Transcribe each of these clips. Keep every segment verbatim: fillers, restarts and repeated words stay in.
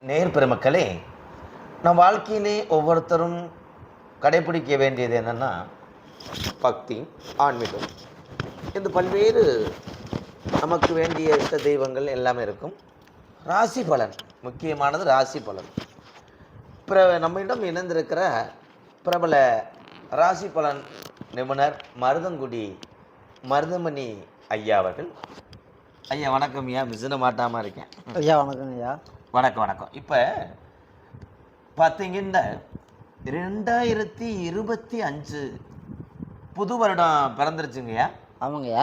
நேர் பெருமக்களே, நம் வாழ்க்கையிலே ஒவ்வொருத்தரும் கடைபிடிக்க வேண்டியது என்னென்னா பக்தி, ஆன்மீகம். இந்த பல்வேறு நமக்கு வேண்டிய இஷ்ட தெய்வங்கள் எல்லாமே இருக்கும். ராசி பலன் முக்கியமானது. ராசி பலன் பிற நம்மிடம் இணைந்திருக்கிற பிரபல ராசி பலன் நிபுணர் மருதங்குடி மருதமணி ஐயா அவர்கள். ஐயா வணக்கம். ஐயா மிசின மாட்டாமல் இருக்கேன். ஐயா வணக்கம். ஐயா வணக்கம் வணக்கம். இப்போ பார்த்தீங்கன்னா ரெண்டாயிரத்தி இருபத்தி அஞ்சு புது வருடம் பிறந்துருச்சுங்கய்யா. ஆமாங்கய்யா.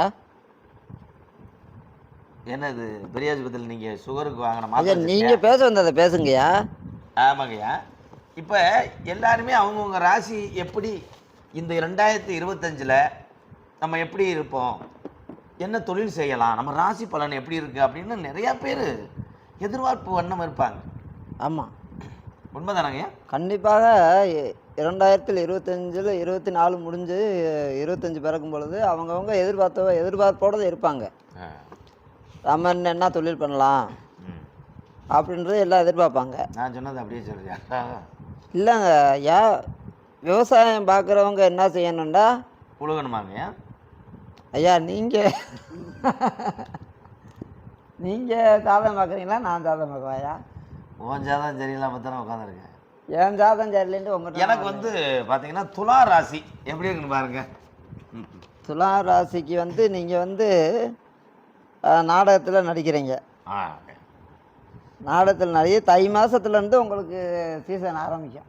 என்னது பெரியாஸ்பத்திரியில் நீங்கள் சுகருக்கு வாங்கின மாதிரி நீங்கள் பேச வந்ததை பேசுங்கய்யா. ஆமாங்கய்யா. இப்போ எல்லாருமே அவங்கவுங்க ராசி எப்படி இந்த ரெண்டாயிரத்தி இருபத்தஞ்சில் நம்ம எப்படி இருப்போம், என்ன தொழில் செய்யலாம், நம்ம ராசி பலன் எப்படி இருக்குது அப்படின்னு நிறையா பேர் எதிர்பார்ப்பு வண்ணம் இருப்பாங்க. ஆமாம், உண்மைதானங்கய்யா? கண்டிப்பாக. இரண்டாயிரத்தில் இருபத்தஞ்சில் இருபத்தி நாலு முடிஞ்சு இருபத்தஞ்சி பிறக்கும் பொழுது அவங்கவுங்க எதிர்பார்த்த எதிர்பார்ப்போடு இருப்பாங்க. நம்ம என்ன தொழில் பண்ணலாம் அப்படின்றது எல்லாம் எதிர்பார்ப்பாங்க. நான் சொன்னது அப்படியே சொல்றியா? இல்லைங்க ஐயா, விவசாயம் பார்க்குறவங்க என்ன செய்யணும்டா, உழுகணுமாங்கய்யா? ஐயா நீங்கள் நீங்கள் சாதகம் பார்க்குறீங்களா, நான் சாதகம் பார்க்குவேயா? உன் ஜாதகம் சரியில்லாம தானே உட்காந்துருக்கேன். என் ஜாதகம் சரியில்லைன்ட்டு உங்கள் எனக்கு வந்து பார்த்தீங்கன்னா துலா ராசி எப்படி இருக்குன்னு பாருங்க. துலா ராசிக்கு வந்து நீங்கள் வந்து நாடகத்தில் நடிக்கிறீங்க. நாடகத்தில் நடிகை தை மாதத்துலேருந்து உங்களுக்கு சீசன் ஆரம்பிக்கும்.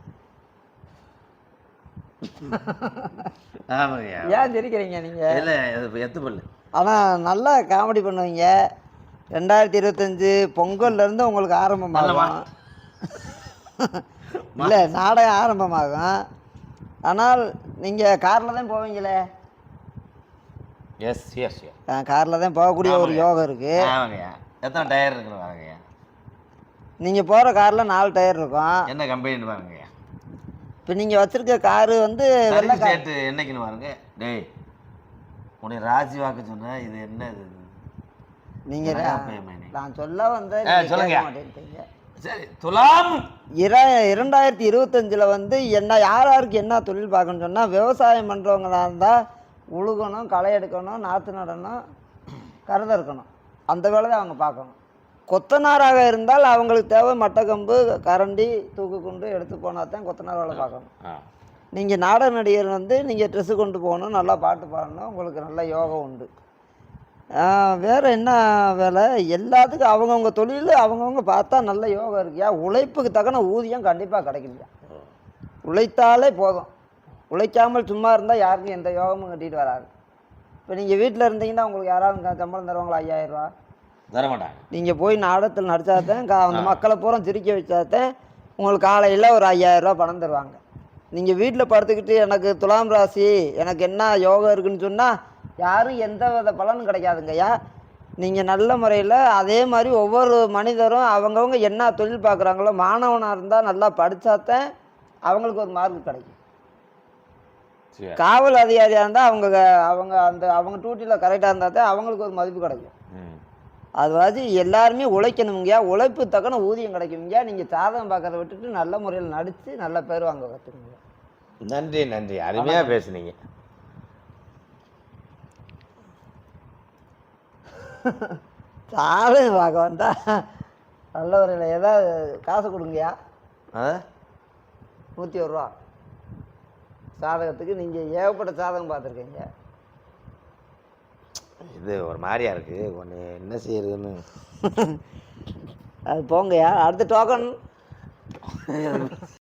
ஏன் சிரிக்கிறீங்க நீங்கள்? இல்லை எத்து பல்லு. ஆனால் நல்லா காமெடி பண்ணுவீங்க. ரெண்டாயிரத்தி இருபத்தஞ்சி பொங்கல்லேருந்து உங்களுக்கு ஆரம்பமாகும். இல்லை, நாடகம் ஆரம்பமாகும். ஆனால் நீங்கள் காரில் தான் போவீங்களே? எஸ் எஸ் காரில் தான் போகக்கூடிய ஒரு யோகம் இருக்குது. எத்தனை டயர் இருக்குன்னு பாருங்கய்யா. நீங்கள் போகிற காரில் நாலு டயர் இருக்கும். என்ன கம்பெனின்னு பாருங்கய்யா. இப்போ நீங்கள் வச்சுருக்க காரு வந்து வெள்ளை சேட்டு என்னைக்குன்னு பாருங்க. டேய் உன்னை ராசி வாக்கு சொன்ன இது என்ன இது? நீங்கள் நான் சொல்ல வந்து சொல்லுங்க. சரி, துலாம் இர இரண்டாயிரத்தி இருபத்தஞ்சில் வந்து என்ன யார் யாருக்கு என்ன தொழில் பார்க்கணும்னு சொன்னால், விவசாயம் பண்ணுறவங்களா இருந்தால் உழுகணும், களை எடுக்கணும், நாற்று நடணும், கருதை இருக்கணும். அந்த வேலை தான் அவங்க பார்க்கணும். கொத்தனாராக இருந்தால் அவங்களுக்கு தேவை மட்டக்கம்பு, கரண்டி, தூக்கு கொண்டு எடுத்து போனால் தான் கொத்தனார் வேலை பார்க்கணும். நீங்கள் நாடக நடிகர் வந்து நீங்கள் ட்ரெஸ்ஸு கொண்டு போகணும், நல்லா பாட்டு பாடணும், உங்களுக்கு நல்ல யோகம் உண்டு. வேறு என்ன வேலை? எல்லாத்துக்கும் அவங்கவுங்க தொழில் அவங்கவுங்க பார்த்தா நல்ல யோகம் இருக்குயா. உழைப்புக்கு தக்கன ஊதியம் கண்டிப்பாக கிடைக்கலையா. உழைத்தாலே போதும். உழைக்காமல் சும்மா இருந்தால் யாருக்கும் எந்த யோகமும் கட்டிகிட்டு வராது. இப்போ நீங்கள் வீட்டில் இருந்தீங்கன்னா உங்களுக்கு யாராவது சம்பளம் தருவாங்களா? ஐயாயிரரூவா தரமாட்டாங்க. நீங்கள் போய் நாடகத்தில் நடித்தாதான் கா அந்த மக்களை பூரா சிரிக்க வச்சாதான் உங்களுக்கு காலையில் ஒரு ஐயாயிரரூவா பணம் தருவாங்க. நீங்கள் வீட்டில் படுத்துக்கிட்டு எனக்கு துலாம் ராசி எனக்கு என்ன யோகம் இருக்குதுன்னு சொன்னால் யாரும் எந்த வித பலனும் கிடைக்காதுங்கய்யா. நீங்கள் நல்ல முறையில் அதே மாதிரி ஒவ்வொரு மனிதரும் அவங்கவுங்க என்ன தொழில் பார்க்குறாங்களோ, மாணவனாக இருந்தால் நல்லா படித்தாதான் அவங்களுக்கு ஒரு மார்க் கிடைக்கும். காவல் அதிகாரியாக இருந்தால் அவங்க அவங்க அந்த அவங்க டியூட்டியில் கரெக்டாக இருந்தால் தான் அவங்களுக்கு ஒரு மதிப்பு கிடைக்கும். அது மாதிரி எல்லாருமே உழைக்கணுங்கய்யா. உழைப்பு தக்கன ஊதியம் கிடைக்குங்கய்யா. நீங்கள் சாதகம் பார்க்கறத விட்டுட்டு நல்ல முறையில் நடித்து நல்ல பேர் வாங்க கற்றுக்குங்க. நன்றி நன்றி, அருமையாக பேசுனீங்க. சாதகம் பார்க்க வந்தா நல்ல முறையில் ஏதாவது காசு கொடுங்கய்யா. நூற்றி ஒரு ரூபா சாதகத்துக்கு. நீங்கள் ஏகப்பட்ட சாதகம் பார்த்துருக்கீங்க. இது ஒரு மாதிரியா இருக்கு, ஒன்று என்ன செய்யறதுன்னு. அது போங்கய்யா. அடுத்த டோக்கன்